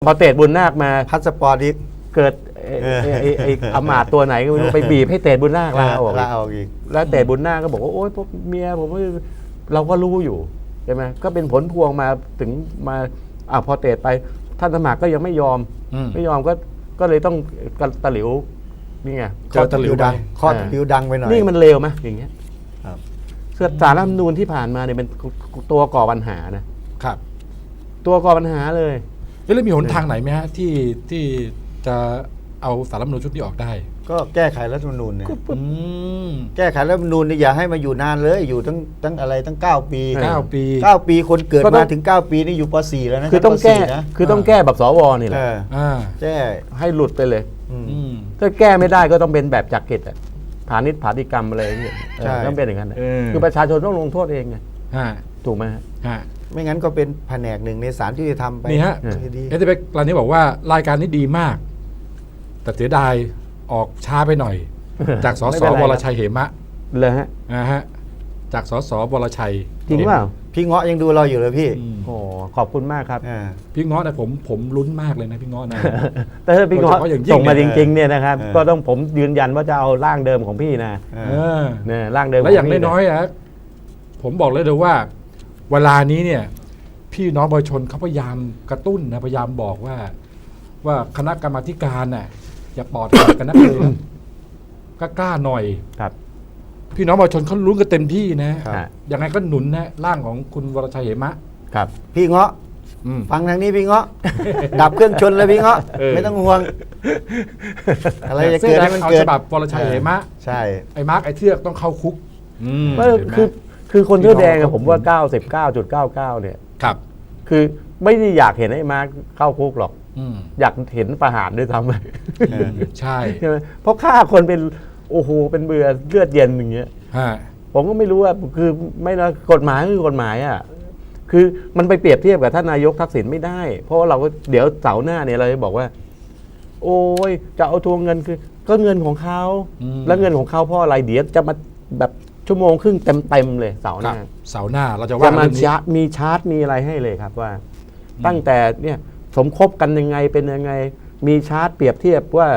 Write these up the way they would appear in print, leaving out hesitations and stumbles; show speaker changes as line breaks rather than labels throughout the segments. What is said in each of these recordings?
อเตดบุญนาคมา
พาสปอร์ตอีก
เกิดไอ้อำมาตย์ตัวไหนก็ไม่รู้ไปบีบให้เตดบุญนาคลาออก
ลาออกอีก
แล้วเตดบุญนาคก็บอกว่าโอ๊ยพวกเมียผมเราก็รู้อยู่ใช่ไหมก็เป็นผลพวงมาถึงมาพอเตดไปท่านสมัครก็ยังไม่ยอมก็เลยต้องตะหลิวนี่ไง
ข้อตะหลิวดังข้อตะหลิวดังไปหน่อย
นี่มันเลวไหมอย่างเงี้ย
ครับ
สารรัฐธรรมนูญที่ผ่านมาเนี่ยเป็นตัวก่อปัญหานะครับ ตัวก่อปัญหาเลย
แล้วมีหนทางไหนไหมฮะที่จะเอาสารรัฐธรรมนูญชุดนี้ออกได้
ก็แก้ไขรัฐธรรมนูญเนี่ย
ม
แก้ไขรัฐธรรมนูญนี่อย่าให้มาอยู่นานเลยอยู่ตั้งอะไรตั้ง9 ปี
9 ปี
9 ปีคนเกิดมาถึง9 ปีนี่อยู่ป .4 แล้วนะ
คือต้องแก้
ป .4 นะ
คือต้องแก้แบบสวนี่แหละ
แก้
ให้หลุดไปเลย
อืม
ถ้าแก้ไม่ได้ก็ต้องเป็นแบบจักริดอะผานิชผาติกรรมอะไรอย่างเงี้ย
ใช่
ต้องเป็นอย่างนั้นอะ
เออ
คือประชาชนต้องลงโทษเองไง
ฮะ
ถูกไหมฮะ
ฮะ
ไม่งั้นก็เป็นแผนกหนึ่งในศาลยุติธรรมไป
นี่ฮะ
ดี
เอสเปกรายนี้บอกว่ารายการนี้ดีมาก แต่เสียดายออกช้าไปหน่อย จากส
ไม่
ส
เป็นไร
วรชัยเหมะ
เลยฮะ
นะฮะจากสสวรชัย
จริงเปล่า
พี่เงาะยังดูเราอยู่เลยพี่
อืม
โอ้ขอบคุณมากครับ
พี่เงาะนะผมลุ้นมากเลยนะพี่เงาะนะ
แต่ถ้าพี่เงาะ
โดยเฉพาะอย่างยิ่ง
ส่งมาจริงๆเนี่ยนะครับ
เออ
ก็ต้องผมยืนยันว่าจะเอาร่างเดิมของพี่นะ
เออ
เนี่ยร่างเดิม
และอย่าง
ขพี่
น้อยๆอะผมบอกเลยว่า เวลานี้เนี่ย พี่น้องประชาชนเขาพยายามกระตุ้นนะพยายามบอกว่าคณะกรรมาธิการน่ะอย่าปอดกันนักเลยนะก็กล้าหน่อย
ครับ
พี่น้องประชาชนเขาลุ้นกันเต็มที่นะครับ
ฮะ
ยังไงก็หนุนนะร่างของคุณวรชัยเหมะ
ครับ
พี่เงาะ
อืม
ฟังทางนี้พี่เงาะ ดับเครื่องชนเลยพี่เงาะ
เออ
ไม่ต้องห่วง อะไรจะ
เสื้
เกิ
อ
ด
แด
ให้
ง
มัน
เอา
เกิ
ฉ
ด
บับวรชัยเหมะ
ใช่
ไอ้มาร์กไอ้เทือกต้องเข้าคุกม
ก็
เห็นไหม
คือคนเสื้อแดงอะผมว่า 99.99 เนี่ย
ครับ
คือไม่ได้อยากเห็นไอ้มาร์คเข้าคุกหรอก
อืม
อยากเห็นประหารด้วยซ้ำไป
ใช่
ใช่ไหมเพราะฆ่าคนเป็นโอ้โหเป็นเบื่อเลือดเย็นอย่างเงี้ย
ฮะ
ผมก็ไม่รู้ว่าคือไม่นะกฎหมายคือกฎหมายอ่ะคือมันไปเปรียบเทียบกับท่านนายกทักษิณไม่ได้ เพราะว่าเราก็เดี๋ยวเสาร์หน้าเนี่ยเราจะบอกว่า โอ้ยจะเอาทวงเงินคือก็เงินของเขาแล้วเงินของเขาเพราะอะไรเดี๋ยวจะมาแบบชั่วโมงครึ่งเต็มเลยเสาร์ห
ครับ
น้า
เสาร์หน้าเราจะ
จะ
ว่า
มา
เรื่องนี้
มีชาร์ตมีอะไรให้เลยครับว่า ตั้งแต่เนี่ยสมคบกันยังไงเป็นยังไง มีชาร์ตเปรียบเทียบว่า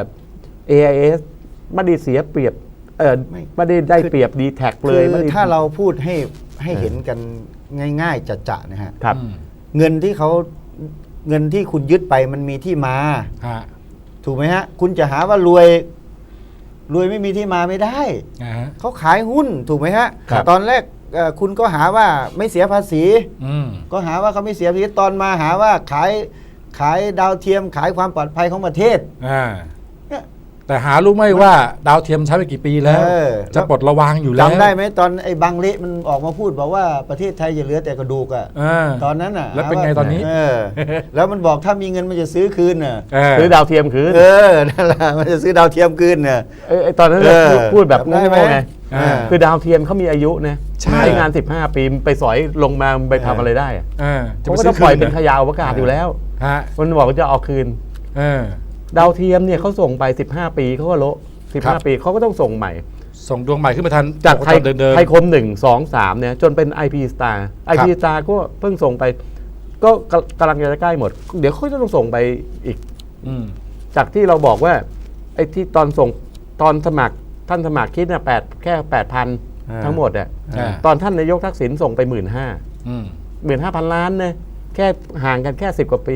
AIS ไม่ได้เสียเปรียบไม่ได้เปรียบดีแท็กเล
คื
ย
อ
ไม่ได้
ถ้าเราพูดให้เห็นกันง่ายๆจะๆนะฮะ
ครับ
เงินที่คุณยึดไปมันมีที่มา
ฮะ
ถูกไหมฮะ คุณจะหาว่ารวยไม่มีที่มาไม่ได้
นะฮะ
เขาขายหุ้นถูกไหมฮะ
ครับ
ตอนแรกคุณก็หาว่าไม่เสียภาษี
อืม
ก็หาว่าเขาไม่เสียภาษีตอนมาหาว่าขายดาวเทียมขายความปลอดภัยของประเทศ
อ่า
เนี่ย
แต่หารู้ไหมว่าดาวเทียมใช้ไปกี่ปีแล้ว
เออ
จะปลดระวางอยู่แล้ว
จำได้ไหมตอนไอ้บังเละมันออกมาพูดบอกว่าประเทศไทยจะเหลือแต่กระดูกอ่ะ
อ่า
ตอนนั้นอ่ะ
แล้วเป็นไง
หาา
ตอนนี้
แล้วมันบอกถ้ามีเงินมันจะซื้อคืนน่ะ
ซื้อดาวเทียมคืน
นั่นแหละมันจะซื้อดาวเทียมคืนน่ะ
ไอ้ตอนนั้นน่ะ
เออ
พูดแบบ
จำได้
โง่
ไหม
ๆไง
อ่า
คือดาวเทียมเขามีอายุนะ
ใช่
งาน 15 ปีไปสอยลงมาไปทำอะไรได้อะ
อ่า
เขาก็ต้องปล่อยเป็นขยะอวกาศอยู่แล้ว
ฮะ
มันบอกว่าจะเอาคืน
เออ
ดาวเทียมเนี่ยเขาส่งไป 15 ปีเขาก็โละ
ครับ
15 ปีเขาก็ต้องส่งใหม่
ส่งดวงใหม่ขึ้นมาทัน
จากไทย
เดิน
ไทยคม1 2 3เนี่ยจนเป็น IP Star IP Star ก็เพิ่งส่งไป ก็กำลังจะใกล้หมด เดี๋ยวเขาจะต้องส่งไปอีก
อืม
จากที่เราบอกว่าไอ้ที่ตอนส่งตอนสมัครท่านสมัครคิดเนี่ยแค่ 8,000 ทั้งหมดอ่ะ
อ่า
ตอนท่านนายกทักษิณส่งไป 15,000
อืม
15,000 ล้านนะแค่ห่างกันแค่10 กว่าปี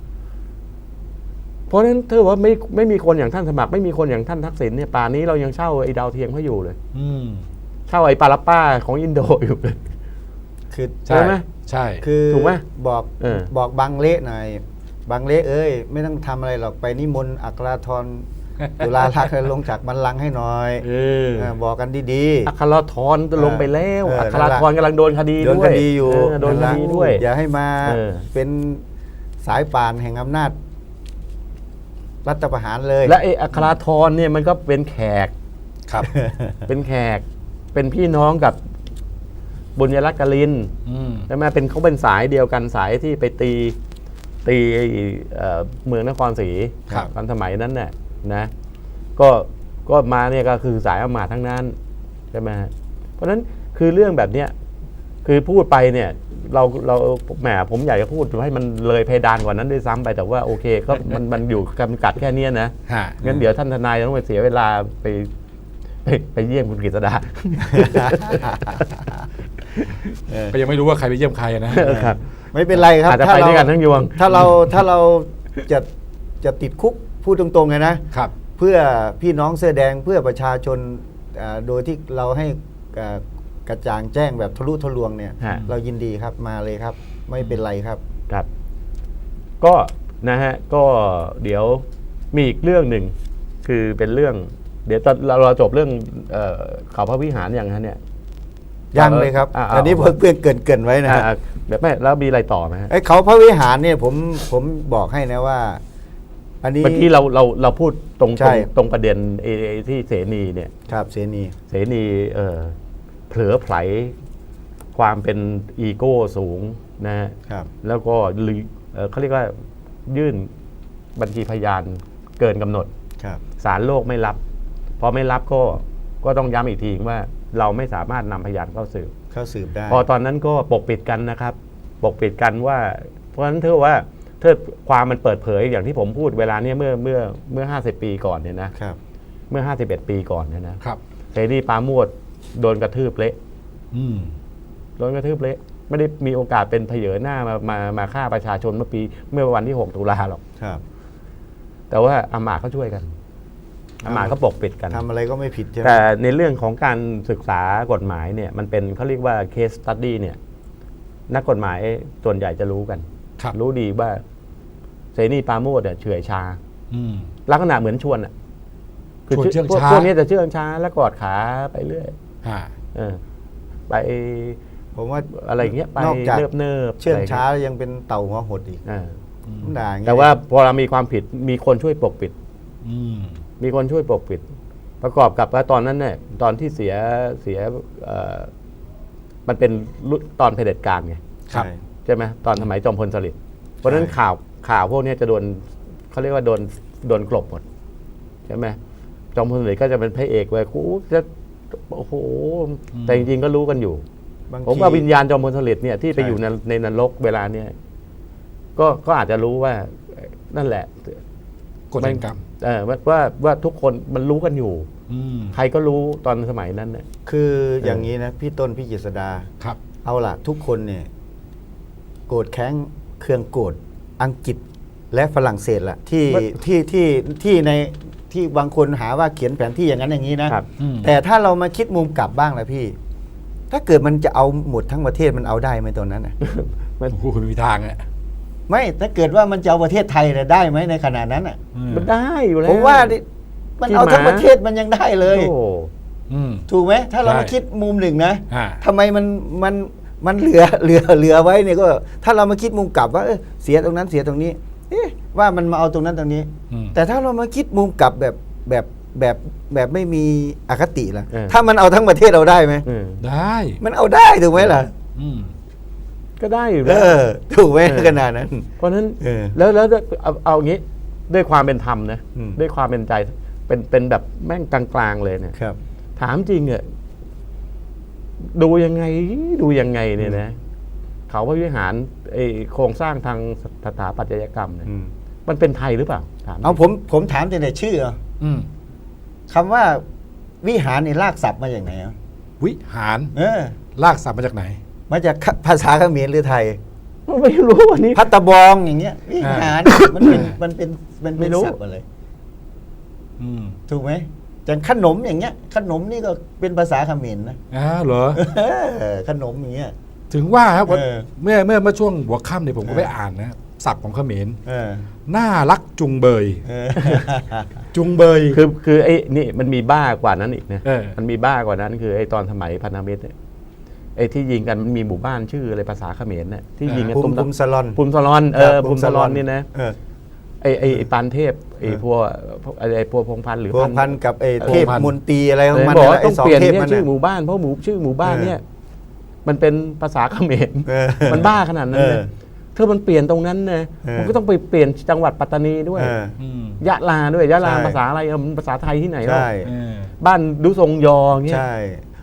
เพราะฉะนั้นถือว่าไม่มีคนอย่างท่านสมัครไม่มีคนอย่างท่านทักษิณเนี่ยป่านนี้เรายังเช่าไอ้ดาวเทียมเขาอยู่เลย
อืม
เช่าไอ้ปาลาป้าของอินโดอยู่เลย
คือ
ใช่
ใช่ไหม
ใช่
คือ
ถูกไหม
บอก
เออ
บอกบังเละหน่อยบังเละเอ้ยไม่ต้องทำอะไรหรอกไปนิมนต์อัครธรจุฬาลักษณ์ลงจากบัลลังก์ให้หน่อย บอกกันดี
อัครธรลงไปแล้ว
เออ
อัครธรกำลังโดนคดี
ๆโดน
ด้ว
ค
ย
ดีอยู่
โดนคดีด้วย
อย่าให้มา
เออ
เป็นสายป่านแห่งอำนาจรัฐประหารเลย
และไอ้อัครธรเนี่ยมันก็เป็นแขก
ครับ
เป็นแขก เป็นพี่น้องกับบุญยรัตน์กลิน
อืม
ใช่ไหมเขาเป็นสายเดียวกันสายที่ไปตีเมืองนครศรี
ครับ
ตอนสมัยนั้นน่ะนะก็มาเนี่ยก็คือสายอำมาตย์ทั้งนั้นใช่ไหมฮะเพราะฉะนั้นคือเรื่องแบบเนี้ยคือพูดไปเนี่ยเราแหมผมอยากจะพูดให้มันเลยเพดานกว่านั้นด้วยซ้ำไปแต่ว่าโอเคก็มันอยู่จำกัดแค่เนี้ยนะ
ฮะ
งั้นเดี๋ยวท่านทนายต้องไปเสียเวลาไปเยี่ยมคุณกฤษดา
ก็ยังไม่รู้ว่าใครไปเยี่ยมใครนะ
ครับ
ไม่เป็นไรครับ
อาจจะไปด้วยกันทั้งยวง
ถ้าเราจะติดคุกพูดตรงๆเลยนะ
ครับ
เพื่อพี่น้องเสื้อแดงเพื่อประชาชนโดยที่เราให้กระจ่างแจ้งแบบทะลุทะลวงเนี่ย
ฮะ
เรายินดีครับมาเลยครับ ไม่เป็นไรครับ
ครับ ก็นะฮะก็เดี๋ยวมีอีกเรื่องหนึ่งคือเป็นเรื่อง เดี๋ยวเราจบเรื่องเขาพระวิหารอย่างนั้นเนี่ย
ยังเลยครับ อันนี้เพื่อนเกรินไว้นะฮะ
แบบไม่แล้วมีอะไรต่อไหมฮะ
ไอ้เขาพระวิหารเนี่ยผมบอกให้นะว่า อันนี้
เมื่อกี้เราพูดตรง
ใช่
ตรงประเด็นที่เสนีเนี่ย
ครับเสนี
เสนีเผลอไผลความเป็นอีโก้สูงนะฮะ
ครับ
แล้วก็เขาเรียกว่ายื่นบัญชีพยานเกินกำหนด
ครับ
ศาลโลกไม่รับพอไม่รับก็ต้องย้ำอีกทีว่าเราไม่สามารถนำพยานเข้าสืบ
เข้าสืบได้
พอตอนนั้นก็ปกปิดกันนะครับ ปกปิดกันว่า เพราะฉะนั้นเธอว่าถ้าความมันเปิดเผยอย่างที่ผมพูดเวลาเนี้ยเมื่อ50 ปีก่อนเนี่ยนะครับ เมื่อ51 ปีก่อนเนี่ยนะครับ เสรีปราโมชโดนกระทืบเละ
อืม
โดนกระทืบเละไม่ได้มีโอกาสเป็นเผยหน้ามาฆ่าประชาชนเมื่อวันที่6 ตุลาหรอก
ครับ
แต่ว่าอามาตย์เขาช่วยกันอามาตย์เขาปกปิดกัน
ทำอะไรก็ไม่ผิดใช่ไหม
แต่ในเรื่องของการศึกษากฎหมายเนี่ยมันเป็นเขาเรียกว่า case study เนี่ยนักกฎหมายส่วนใหญ่จะรู้กัน
ครับ
รู้ดีว่าเสนีปราโมชเนี่ยเฉื่อยชา
อืม
ลักษณะเหมือนชวนอ่ะ
ชวนเชื่องช้า
พวกนี้จะเชื่องช้าแล้วกอดขาไปเรื่อย
ฮะ
เออไป
ผมว่า
อะไรอย่างเงี้ยไป
นอกจาก
เนิบๆ
เชื่อง
ะไร
ช้ายังเป็นเต่าหัวหดอีก
อ่า
ด่าอย่างเงี้ย
แต่ว่าพอเรามีความผิดมีคนช่วยปกปิด
อืม
มีคนช่วยปกปิด ประกอบกับว่าตอนนั้นเนี่ยตอนที่เสียมันเป็นตอนเผด็จการไง
ครับ
ใช่
ใช่ไหมตอนสมัยจอมพลสฤษดิ์เพราะฉะนั้นข่าวพวกนี้จะโดนเขาเรียกว่าโดนกลบหมดใช่ไหมจอมพลสฤษดิ์ก็จะเป็นพระเอกไว้ยกูจะโอ้โหแต่จริงๆก็รู้กันอยู่
บาง
ผม
ที
ว่าวิญญาณจอมพลสฤษดิ์เนี่ยที่ไป
ใช่
อยู่ในนรกเวลาเนี่ยก็อาจจะรู้ว่านั่นแหละ
กฎแห่งกรรม
ว่าทุกคนมันรู้กันอยู่
อืม
ใครก็รู้ตอนสมัยนั้นเนี่ย
คืออย่างนี้นะพี่ต้นพี่เจษดา
ครับ
เอาล่ะ ทุกคนเนี่ยโกรธแค้นเครื่องโกรธอังกฤษและฝรั่งเศสล่ะที่ในที่บางคนหาว่าเขียนแผนที่อย่างนั้นอย่างนี้นะครับ
อืม
แต่ถ้าเรามาคิดมุมกลับบ้างล่ะพี่ ถ้าเกิดมันจะเอาหมดทั้งประเทศมันเอาได้ไหมตอนนั้นน่ะ
โอ้โหมีทางอ่ะ
ไม่ถ้าเกิดว่ามันจะเอาประเทศไทยน่ะได้ไหมในขณะนั้นอ่ะ
มันได้อยู่แล้ว
ผมว่าดิมันเอาทั้งประเทศมันยังได้เลย
โอ้
อืม
ถูกไหมถ้าเรา
ใช่
มาคิดมุมหนึ่งนะ
ฮะ
ทำไมมันเหลือไว้เนี่ยก็ ถ้าเรามาคิดมุมกลับว่าเสียตรงนั้นเสียตรงนี้ ว่ามันมาเอาตรงนั้นตรงนี้
อืม
แต่ถ้าเรามาคิดมุมกลับแบบไม่มีอคติล่ะ
เออ
ถ้ามันเอาทั้งประเทศเราได้ไหม
ได้
มันเอาได้ถูกไหมล่ะ
อืม
ก็ได้อยู่
เอ
แล้ว
อถูกไหม
เออ
ขนาดนั้น
เพราะฉะนั้น
เออ
แล้วเอาอย่างนี้ด้วยความเป็นธรรมนะ
อืม
ด้วยความเป็นใจเป็นแบบแม่งกลางๆเลยเนี่ย
ครับ
ถามจริงอะดูยังไงเนี่ยนะเขาพระวิหารไอโครงสร้างทางสถาปัตยกรรมเนี่ย
อืม
มันเป็นไทยหรือเปล่าถาม
เอาผมถามแต่ชื่อเหรอ
อืม
คำว่าวิหารนี่ลากศัพท์มาจากไหนอ่ะ
วิหาร ลากศัพท์มาจากไหน
มาจากภาษาเขมรหรือไทย
ไม่รู้วันนี้
พัตตะบองอย่างเงี้ยวิหารมันเป็นศัพท์อะไร
อืม
ถูกไหมอย่างขนมอย่างเงี้ย ขนมนี่ก็เป็นภาษาเขมรนะ
อ้าวเหรอ
ขนมอย่างเงี้ย
ถึงว่าครับว่า
เออ
เมื่อช่วงหัวค่ำเนี่ยผมก็ไปอ่านนะศัพท์ของเขมร
เออ
น่ารักจุงเบย
เออ
จุงเบย
คือไอ้นี่มันมีบ้ากว่านั้นอีกนะ
เออ
มันมีบ้ากว่านั้นคือไอ้ตอนสมัยพันธมิตรเนี่ยไอ้ที่ยิงกันมันมีหมู่บ้านชื่ออะไรภาษาเขมรเนี่ยที่ยิงกัน
ภูมิสลอน
ภูมิสลอนภูมิสลอนนี่นะ
เออ
ไอ้ปานเทพไอ้พวกไอ้พวกพงพันธ์หรือ
พวงพันกับไอ้เทพ
พวงพันธุ์
มนตรีอะไรของ
เลย
มัน
บอกว่า
ไอ้
ต้อง
สอง
เปลี่ยน
เทพ
เนี่ย
มัน
ชื่อ
น่ะ
หมู่บ้านเพราะชื่อหมู่บ้านเนี่ยมันเป็นภาษาเขมร
เออ
มันบ้าขนาดนั้นเลย
เออ
ถ้ามันเปลี่ยนตรงนั้นนะ
เออ
มันก็ต้องไปเปลี่ยนจังหวัดปัตตานีด้วย
เออ
อืม
ยะลาด้วยยะลา
ใช่
ภาษาอะไรมันภาษาไทยที่ไหนเล่า
ใช่
เออ
บ้านดุทรงยออย่างเงี้ย
ใช่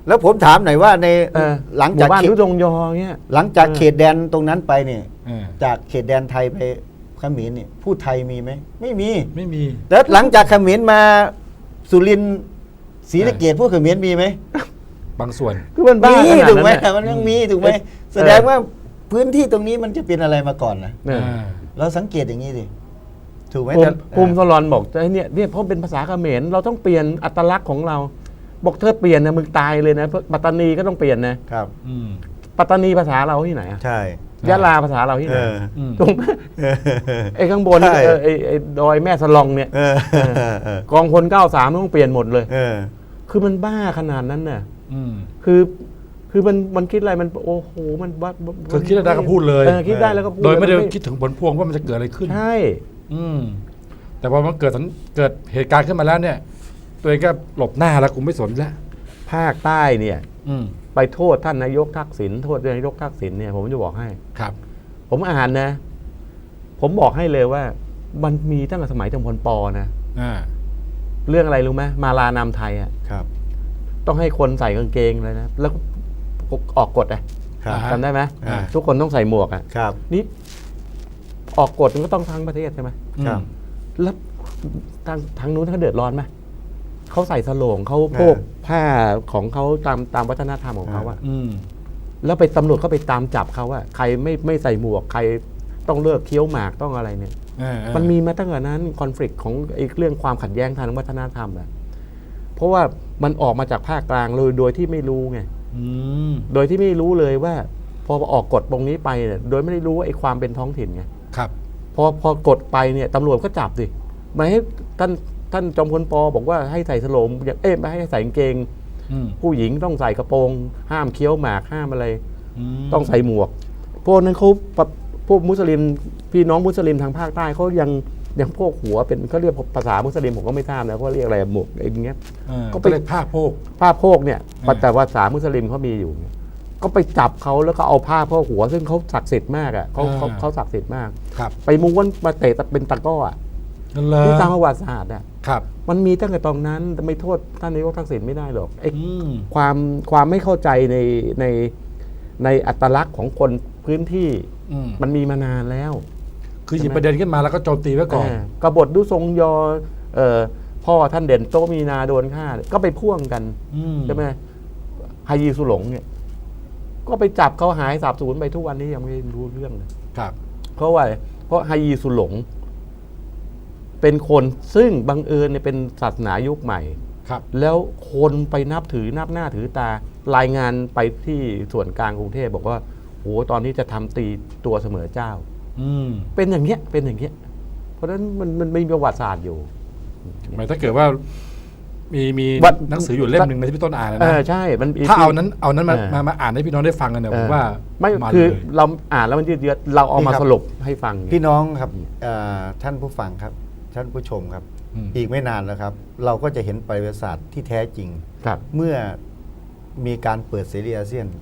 แล้วผมถามหน่อยว่าใน หลัง
หมู่
จาก
บ้าน
เขต
ทุจงยอเงี้ย
หลังจากเขตแดนตรงนั้นไปเนี่ย
เออ
จากเขตแดนไทยไปเขมรเนี่ยพูดไทยมีไหมไม่มี
ไม่มี
แล้วหลังจากเขมรมาสุรินทร์ศรีสะเกษพูดเขมรมีไหม
บางส่วน
คือมันบ้า
มี
ขนาด
ถูกไหม
นั้นน่ะ
มันยังมีถูกไหมแสดงว่าพื้นที่ตรงนี้มันจะเป็นอะไรมาก่อนนะ
เนี่ย
เราสังเกตอย่างนี้สิถูกไหม
ภูมิสลอนบอกไอ้เนี่ยเพราะเป็นภาษาเขมรเราต้องเปลี่ยนอัตลักษณ์ของเรา บอกเธอเปลี่ยนนะมึงตายเลยนะปัตตานีก็ต้องเปลี่ยนนะครับ
อืม
ปัตตานีภาษาเราที่ไหนอะ
ใช่
ยะลาภาษาเราที่ไหน
อืม
ถูกไหมไอ้ข้างบน
ใช่
ไอ้ดอยแม่สลองเนี่ย
เออ
กองพล93ต้องเปลี่ยนหมดเลย
เออ
คือมันบ้าขนาดนั้นน่ะ
อืม
คือมันคิดอะไรมันโอ้โหมันบ้า
คือคิดได้ก็พูดเลย
คิดได้แล้วก็พูด
โดยไม่ได้
น
คิดถึงผลพวงว่ามันจะเกิดอะไรขึ้น
ใช่
อืม แต่พอมันเกิดเหตุการณ์ขึ้นมาแล้วเนี่ย ตัวเองก็หลบหน้าแล้วกูไม่สนแล้ว
ภาคใต้เนี่ย
อืม
ไปโทษท่านนายกทักษิณโทษนายกทักษิณเนี่ยผมจะบอกให้
ครับ
ผมอ่านนะ ผมบอกให้เลยว่า มันมีตั้งแต่สมัยจอมพลปนะ
อ่า
เรื่องอะไรรู้ไหมมาลานามไทยอ่ะ
ครับ
ต้องให้คนใส่กางเกงเลยนะ แล้วออกกฎอ่ะ
ครับ
อ่า
จำได้ไหม
อ่า
ทุกคนต้องใส่หมวกอ่ะ
ครับ
นี่ออกกฎมันก็ต้องทั้งประเทศใช่ไหม
ครับ
แล้วทางนู้นเขาเดือดร้อนไหมเขาใส่สโลงเขาโพกผ้าของเขาตามวัฒนธรรมของเขาอะ
อืม
แล้วไปตำรวจก็ไปตามจับเขาอะใครไม่ใส่หมวกใครต้องเลิกเคี้ยวหมากต้องอะไรเนี่ย มันมีมาตั้งแต่นั้นคอน FLICT ของไอ้เรื่องความขัดแย้งทางวัฒนธรรมอะเพราะว่ามันออกมาจากภาคกลางเลยโดยที่ไม่รู้ไง
อืม
โดยที่ไม่รู้เลยว่า พอออกกฎตรงนี้ไปเนี่ยโดยไม่ได้รู้ว่าไอ้ความเป็นท้องถิ่นไง
ครับ
พอกดไปเนี่ยตำรวจก็จับสิไม่ให้ท่านจอมพลปบอกว่าให้ใส่สโลงไม่ให้ใส่กางเกง
อืม
ผู้หญิงต้องใส่กระโปรง ห้ามเคี้ยวหมากห้ามอะไร
ม
ต้องใส่หมวก พวกนั้นเขาพวกมุสลิมพี่น้องมุสลิมทางภาคใต้เขายังพวกหัวเป็นเขาเรียกภาษามุสลิมผมก็ไม่ทราบนะเขาเรียกอะไรหมวกไอ้เงี้ย ก็
ก็
ไป
ไปเรียกผ้าโพก
ผ้าโพกเนี่ย
อ่า
แต่ภาษามุสลิมเขามีอยู่เนี่ยก็ไปจับเขาแล้วก็เอาผ้าโพกหัว ซึ่งเขาศักดิ์สิทธิ์มากอ่ะเขาศักดิ์สิทธิ์มาก
ครับ
ไปม้วนมาเตะเป็นตะกร้ออ่ะ
นั่นเลย
ที่ตามประวัติศาสตร์อ่ะ
ครับ
มันมีตั้งแต่ตอนนั้นแต่ไม่โทษท่านนายกทักษิณไม่ได้หรอกไอ้
อืม
ความไม่เข้าใจในอัตลักษณ์ของคนพื้นที่
อืม
มันมีมานานแล้ว
คือหยิบประเด็นขึ้นมาแล้วก็โจมตีไว้ก่อน
กบฏดุทรงยอพ่อท่านเด่นโตมีนาโดนฆ่าก็ไปพ่วงกัน
อืม
ใช่ไหมฮายีสุหลงเนี่ย ก็ไปจับเขาหายสาบสูญไปทุกวันนี้ยังไม่รู้เรื่องเลย
ครับ
เพราะว่าเพราะฮายีสุหลง เป็นคนซึ่งบังเอิญเนี่ยเป็นศาสนายุคใหม่
ครับ
แล้วคนไปนับหน้าถือตารายงานไปที่ส่วนกลางกรุงเทพบอกว่าโอ้ตอนนี้จะทำตีตัวเสมอเจ้า
อืม
เป็นอย่างเงี้ยเพราะฉะนั้นมันมีประวัติศาสตร์อยู่
หมายถ้าเกิดว่ามี
วัด
หนังสืออยู่เล่มหนึ่งในที่พี่ต้นอ่านนะ
ใช่มัน
ถ้าเอานั้นมา
เออ
มาอ่านให้พี่น้องได้ฟังกันเนี่ยผมว่า
ไม่
น
คือ
เลย
เราอ่านแล้วมันยืดเยื้อเราเอามา
นี่ครับ
สรุปให้ฟัง
พี่น้องครับท่านผู้ฟังครับ ท่านผู้ชมครับ
อืม
อีกไม่นานแล้วครับ เราก็จะเห็นประวัติศาสตร์ที่แท้จริง
ครับ
เมื่อมีการเปิดเสรีอาเซียน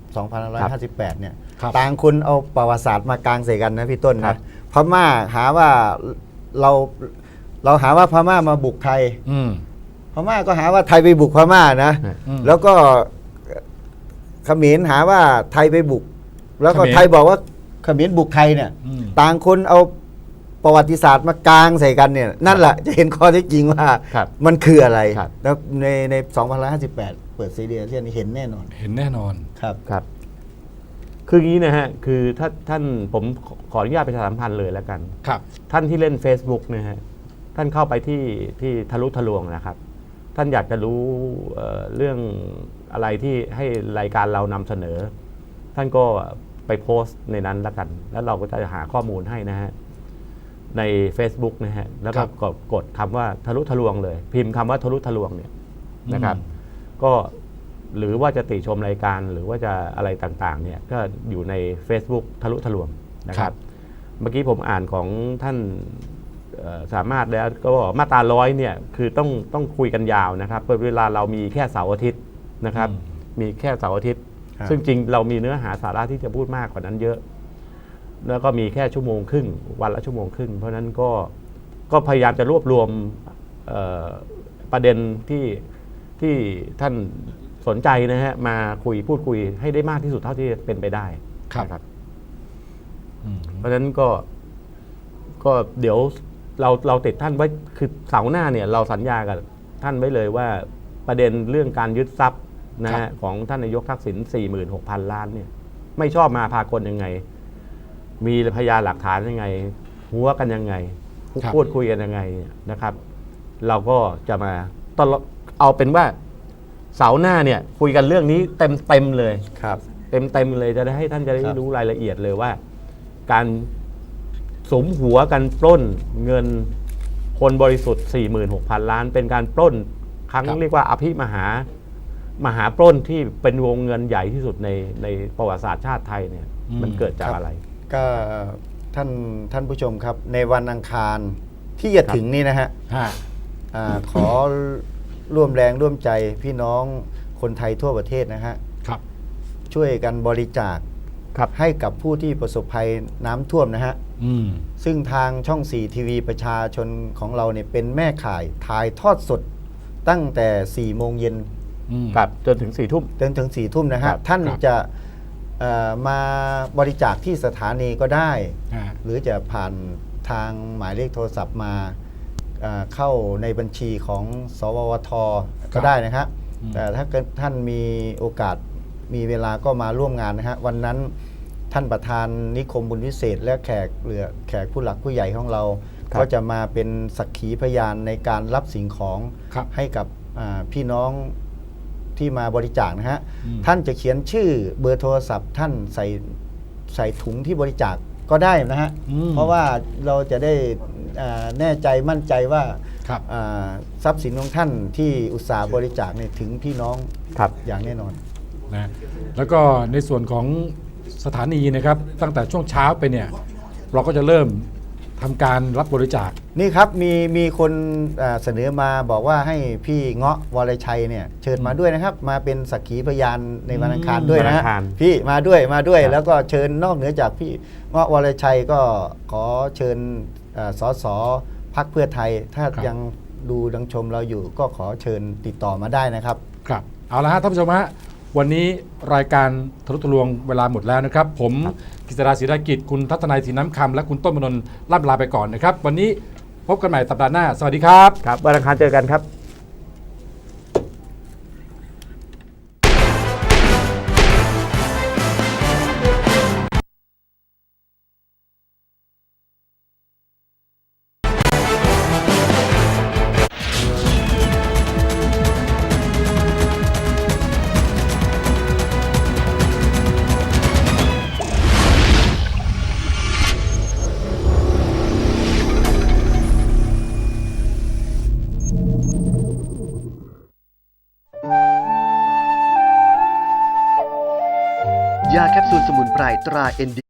2558 เนี่ย
ครับ
ต่างคนเอาประวัติศาสตร์มากลางใส่กันนะพี่ต้น
ครั
นะ
บ
พม่าหาว่าเราหาว่าพม่ามาบุกไทย
อืม
พม่าก็หาว่าไทยไปบุกพม่านะ
อืม
แล้วก็เขมรหาว่าไทยไปบุก แล้วก็
เขมร
ไทยบอกว่าเขมรบุกไทยเนี่ย
อืม
ต่างคนเอาประวัติศาสตร์มากลางใส่กันเนี่ย นั่นแหละจะเห็นข้อเท็จจริงว่า
ครับ
มันคืออะไร
ครับ
แล้วใน2558 เปิดซีเรียเซียนเห็นแน่นอน
เห็นแน่นอน
ครับ
ครับ คืออย่างนี้นะฮะ คือถ้าท่านผมขออนุญาตประชาสัมพันธ์เลยแล้วกัน
ครับ
ท่านที่เล่น Facebook นะฮะ ท่านเข้าไปที่ทะลุทะลวงนะครับ ท่านอยากจะรู้เรื่องอะไรที่ให้รายการเรานำเสนอ ท่านก็ไปโพสต์ในนั้นแล้วกัน แล้วเราก็จะหาข้อมูลให้นะฮะ ใน Facebook นะฮะ แล้วก็
ครับ
กดคำว่าทะลุทะลวงเลย พิมพ์คำว่าทะลุทะลวงเนี่ยนะครับ
อืม
ก็หรือว่าจะติชมรายการหรือว่าจะอะไรต่างๆ เนี่ยก็อยู่ใน Facebook ทะลุทะลวงนะครับ เมื่อกี้ผมอ่านของท่านสามารถแล้วก็บอกมาตรา100เนี่ยคือต้องคุยกันยาวนะครับเวลาเรามีแค่เสาร์อาทิตย์นะครับ มีแค่เสาร์อาทิตย์
ครับ
ซึ่งจริงเรามีเนื้อหาสาระที่จะพูดมากกว่านั้นเยอะ แล้วก็มีแค่ชั่วโมงครึ่งวันละชั่วโมงครึ่งเพราะฉะนั้นก็พยายามจะรวบรวมประเด็นที่ท่านสสนใจนะฮะมาพูดคุยให้ได้มากที่สุดเท่าที่เป็นไปได้
ครับ
นะครับ
อืม
เพราะฉะนั้นก็เดี๋ยวเราติดท่านไว้คือเสาร์หน้าเนี่ยเราสัญญากับท่านไว้เลยว่าประเด็นเรื่องการยึดทรัพย์นะฮะของท่านนายกทักษิณ 46,000 ล้านเนี่ยไม่ชอบมาพากลยังไง มีพยานหลักฐานยังไง หัวกันยังไง
ครับ
พูดคุยกันยังไงนะครับ เราก็จะมาตลอดเอาเป็นว่าเสาร์หน้าเนี่ยคุยกันเรื่องนี้เต็มเลย
ครับ
เต็มเลยจะได้ให้ท่านจะได้
ครับ
รู้รายละเอียดเลยว่า การสมหัวกันปล้นเงินคนบริสุทธิ์ 46,000 ล้าน เป็นการปล้นครั้ง
ครับ
เรียกว่าอภิมหาปล้นที่เป็นวงเงินใหญ่ที่สุดในประวัติศาสตร์ชาติไทยเนี่ยมันเกิดจากอะไร
ก็ท่านผู้ชมครับ ในวันอังคารที่จะถึงนี้นะฮะ
ฮะ
ขอร่วมแรงร่วมใจพี่น้องคนไทยทั่วประเทศนะฮะ
ครับ
ช่วยกันบริจาค
ครับ
ให้กับผู้ที่ประสบภัยน้ำท่วมนะฮะ
อืม
ซึ่งทางช่อง 4 ทีวีประชาชนของเราเนี่ยเป็นแม่ข่ายถ่ายทอดสดตั้งแต่ 4 โมงเย็น
อืม
ครับจนถึง 4 ทุ่ม
จนถึง 4 ทุ่มนะ
ครั
ฮะ
บ
ท่าน
ครับ
จะมาบริจาคที่สถานีก็ได้
ฮะ
หรือจะผ่านทางหมายเลขโทรศัพท์มาเข้าในบัญชีของสววท ก็ได้นะครับ แต่ถ้าเกิดท่านมีโอกาสมีเวลาก็มาร่วมงานนะฮะวันนั้นท่านประธานนิคมบุญวิเศษ และแขกผู้หลักผู้ใหญ่ของเรา
ครับ
ก็จะมาเป็นสักขีพยานในการรับสิ่งของ
ครับ
ให้กับพี่น้องที่มาบริจาคนะฮะ
อืม
ท่านจะเขียนชื่อเบอร์โทรศัพท์ท่านใส่ถุงที่บริจาคก็ได้นะฮะ
อืม
เพราะว่าเราจะได้แน่ใจมั่นใจว่า
ครับ
ทรัพย์สินของท่านที่อุตสาห์บริจาคเนี่ยถึงพี่น้อง
ครับ
อย่างแน่นอน
นะแล้วก็ในส่วนของสถานีนะครับ ตั้งแต่ช่วงเช้าไปเนี่ย เราก็จะเริ่มทำการรับบริจาค
นี่ครับมีคนเสนอมาบอกว่าให้พี่เงาะวรชัยเนี่ยเชิญมาด้วยนะครับ มาเป็นสักขีพยานในวันอังคารด้วยนะ
วันอั
ฮะ
งคาร
พี่มาด้วย
ครับ
แล้วก็เชิญนอกเหนือจากพี่เงาะวรชัยก็ขอเชิญสสพรรคเพื่อไทย ถ้า
ครับ
ยังดูดังชมเราอยู่ก็ขอเชิญติดต่อมาได้นะครับ
ครับเอาละฮะท่านผู้ชมฮะวันนี้รายการทะลุทะลวงเวลาหมดแล้วนะครับ ผมกฤษดาศรีรากิจคุณทัศนัยศรีน้ำคำและคุณต้นมนนท์ล่ำลาไปก่อนนะครับ วันนี้พบกันใหม่สัปดาห์หน้า สวัสดีครับ
ครับวันอังคารเจอกันครับ
ยาแคปซูลสมุนไพรตรา ND